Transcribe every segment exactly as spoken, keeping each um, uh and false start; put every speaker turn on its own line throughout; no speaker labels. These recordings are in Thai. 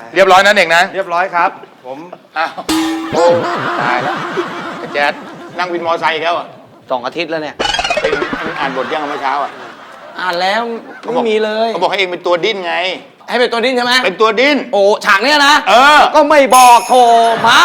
เรียบร้อยนั่นเองนะ
เรียบร้อยครับผม
อ้าวโอ้ตายแล้วแจ๊ดนั่งวินมอไซค์แล้วอ่ะ
สองอาทิตย์แล้วเนี่ย
เป็นอ่านบทยังเมื่อเช้าอ่ะ
อ่านแล้วไม่มีเลย
เขาบอกให้เองเป็นตัวดิ้นไง
ให้เป็นตัวดิ้นใช่ไหม
เป็นตัวดิ้น
โอ้ฉากเนี้ยนะ
เออ
ก็ไม่บอกโทรมา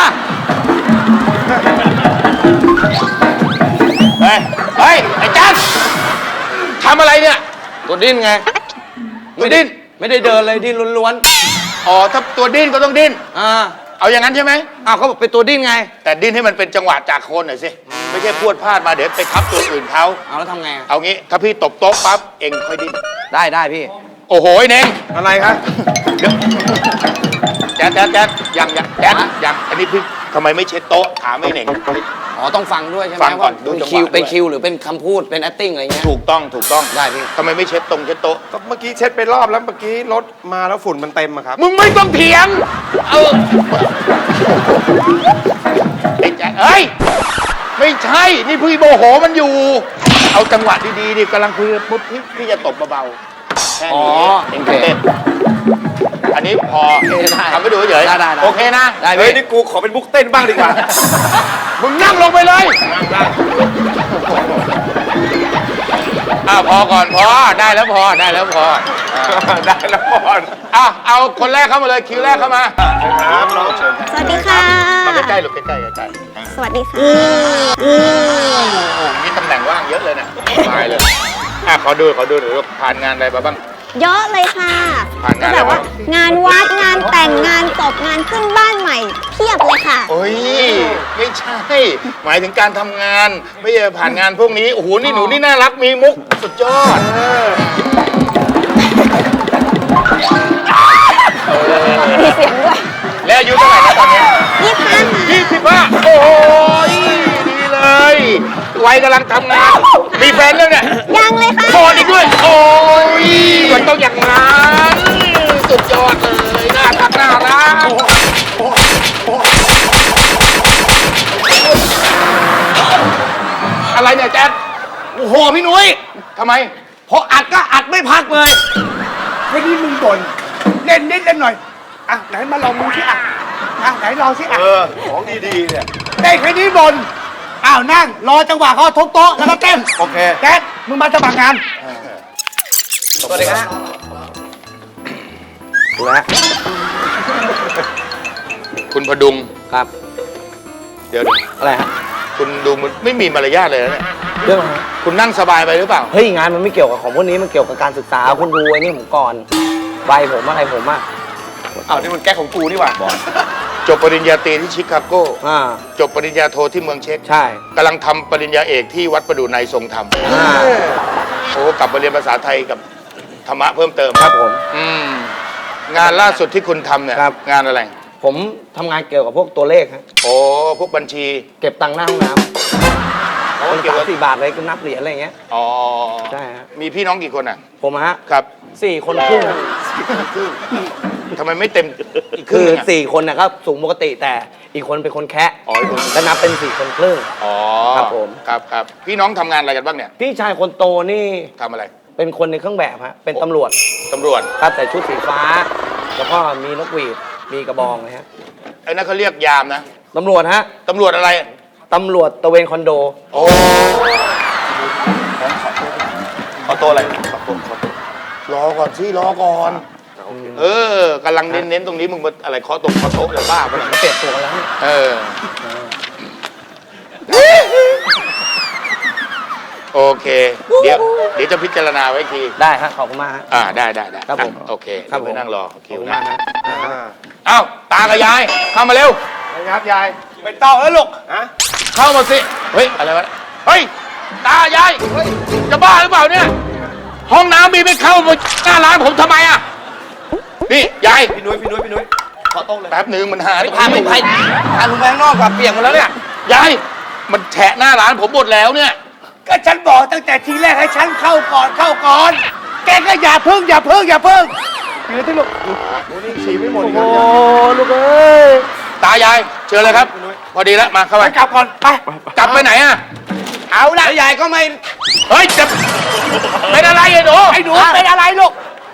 เฮ้ยเฮ้ยไอ้จันทำอะไรเนี่ย
ตัวดิ้นไง
ตัวดิ้น
ไม่ได้เดินเลยดิ้นล้วน
ๆอ๋อถ้าตัวดิ้นก็ต้องดิ้น
อ่า
เอาอย่างนั้นใช่ไหม
อ้าวเขาบอกเป็นตัวดิ้นไง
แต่ดิ้นให้มันเป็นจังหวะจากโคนหน่อยสิไม่ใช่พรวดพลาดมาเดี๋ยวไปทับตัวอื่นเขา
เอาแล้วทำไง
เอางี้ถ้าพี่ตบโต๊ะปั๊บเองค่อยดิ้น
ได้ได้พี่
โอ้โหเน่ง
อะไรครับ
แจ๊ดแจ๊ดแจ๊ดยังยังแจ๊ดยังอันนี้พี่ทำไมไม่เช็ดโต๊ะถามไม่เน่ง
อ๋อต้องฟังด้วยใช่ไหม
ฟังก่อนดู
เป็นคิวเป็นคิวหรือเป็นคำพูดเป็น acting อะไรเงี้ย
ถูกต้องถูกต้อง
ได้พี่
ทำไมไม่เช็ดตรงเช็ดโต๊ะ
ก็เมื่อกี้เช็ดไปรอบแล้วเมื่อกี้รถมาแล้วฝุ่นมันเต็มอะครับ
มึงไม่ต้องเถียงเออไอ้แจ๊ดเอ้ยไม่ใช่นี่พี่โมโหมันอยู่เอาจังหวะดีๆดิกำลังคุยปุ๊บพี่จะตบเบาๆแค่นี้เองเต้นอันนี้พอทำไปดูเฉยๆโอเคนะ
เฮ้ยนี่กูขอเป็นบุกเต้นบ้างดีกว่า
มึงนั่งลงไปเลยอ้าวพอก่อนพอได้แล้วพอได้แล้วพอ
ได้แล้วพอ
อ่ะเอาคนแรกเข้ามาเลยคิวแรกเข้ามา
ครับน้องเชิญ
สวัสดีค่ะ
มาใกล้ๆหรือใกล้ๆใกล้
ๆสวัสดีค่ะ
มีตำแหน่งว่างเยอะเลยนะสบายเลยอ่ะขอดูขอดูหน่อยว่าผ่านงานอะไรมาบ้าง
เยอะเลยค่ะ
ก็
แบบว่างานวัดงานแต่งงานศพงานขึ้นบ้านใหม่เพียบเลยค่ะ
โอ้ยไม่ใช่หมายถึงการทำงานไม่ใช่ผ่านงานพวกนี้โอ้โหนี่หนูนี่น่ารักมีมุกสุดยอด
มีเสียงด้วย
แล้วอายุเท่าไหร่นะตอนนี้
ยี่สิบห้า
ยี่สิบห้าโอ้ยดีเลยวัยกำลังทำงานมีแฟนแล้วเนี่ย
ยังเลยค่ะ
โสดอีกด้วยโอ้ยมันต้องอย่างนั้นสุดยอดเลยน่ารักน่ารักอะไรเนี่ยแจ๊ด
โอ้โหพี่นุ้ย
ทำไม
พออัดก็อัดไม่พักเลย
แค่นี้มึงบ่นเล่นนิดเล่นหน่อยอ่ะไหนมาลองมึงสิอ่ะอ่ะไหนลองสิอ่ะเออของดีๆเนี่ยได้แค่นี้บ่นอ้าวนั่งรอจังหวะเขาทุบโต๊ะแล้วก็เต้นโอเคแจ๊ดมึงมาสมัครงาน
สวัสดีครับดูแล
คุณพดุง
ครับ
เดี๋ยว
อะไรฮะ
คุณดูมันไม่มีมารยาทเลยนะเนี่ย
เรื่องอะไร
คุณนั่งสบายไปหรือเปล่า
เฮ้ยงานมันไม่เกี่ยวกับของพวกนี้มันเกี่ยวกับการศึกษาคุณดูไอ้นี่ผมก่อนใบผมอะไรผมอ่ะ
อ้าวนี่มันแก้ของกูนี่หว่า
จบปริญญาตรีที่ชิคาโกจบปริญญาโทที่เมืองเช็ก
ใช่
กำลังทำปริญญาเอกที่วัดประดู่ในทรงธรรมโอ้กลับมาเรียนภาษาไทยกับธรรมะเพิ่มเติม
ครับผม
อืมงานล่าสุดที่คุณทำเนี่ยงานอะไร
ผมทำงานเกี่ยวกับพวกตัวเลขฮะ
โอ้พวกบัญชี
เก็บตังค์หน้าห้องน้ำเขาเก็บสี่บาทเลยก็นับเหรียญอะไรเงี้ย
อ๋อ
ใช่ฮะ
มีพี่น้องกี่คนอ่ะ
ผมฮะ
ครับ
สี่คนครึ่ง
ทำไมไม่เต็ม
อีกคือสี่คนนะครับสูงปกติแต่อีกคนเป็นคนแคะ
อ๋ออีกคน
แล้วนับเป็นสี่คนครึ่ง
อ๋อ
ครับผม
ครับครับพี่น้องทำงานอะไรกันบ้างเนี่ย
พี่ชายคนโตนี่
ทำอะไร
เป็นคนในเครื่องแบบฮะเป็นตำรวจ
ตำรวจ
ครับแต่ชุดสีฟ้าแล้วก็มีนกหวีดมีกระบองนะฮะ
ไอ้นั่นเขาเรียกยามนะ
ตำรวจฮะ
ตำรวจอะไร
ตำรวจตะเวนคอนโด
โอ้ขอตัวอะไรขอตัวขอตัวรอก่อนสิรอก่อนเออกำลังเน้นๆตรงนี้มึงอะไรเคาะตรงเคาะโต๊ะเลยบ้าไปหน่อย
เปลี่ยนตัวแล้ว
เออโอเคเดี๋ยวเดี๋ยวจะพิจารณาไว้ที
ได้ครับขอบคุณมากฮะ
อ่าได้ได้ได้
ครับผม
โอเค
ครับ
ไปนั่งรอ
คิวนะ
อ้าวตากับยายเข้ามาเร็ว
ครับยายไปเต้าแล้วลูกฮะ
เข้ามาสิเฮ้ยอะไรวะเฮ้ยตายายจะบ้าหรือเปล่าเนี่ยห้องน้ำมีไม่เข้ามาหน้าร้านผมทำไมอ่ะนี่ยาย
พี่นุ้ยพี่นุ้ยพี่นุ้ยขอโต๊ะเลย
แป๊บหนึ่งมันหา
พาไปไปพาลุงไปข้างนอกกับเปียกหมดแล้วเนี่ย
ยายมันแฉะหน้าร้านผมหมดแล้วเนี่ย
ก็ฉันบอกตั้งแต่ทีแรกให้ฉันเข้าก่อนเข้าก่อนแกก็อย่าพึ่งอย่าพึ่งอย่าพึ่งเดี๋ยวที่ลูกโอ้นี่ฉี่ไม่หมด
โอ้ลูกเอ้ย
ตายายเชิญเลยครับพอดีแล้วมาเข้าไป
กลับก่อนไป
กลับไปไหนอ่ะ
เอาละยายก็ไม่
เฮ้ยจะเป็นอะไรไอ้หนู
ไอ้หนูเป็นอะไรลูก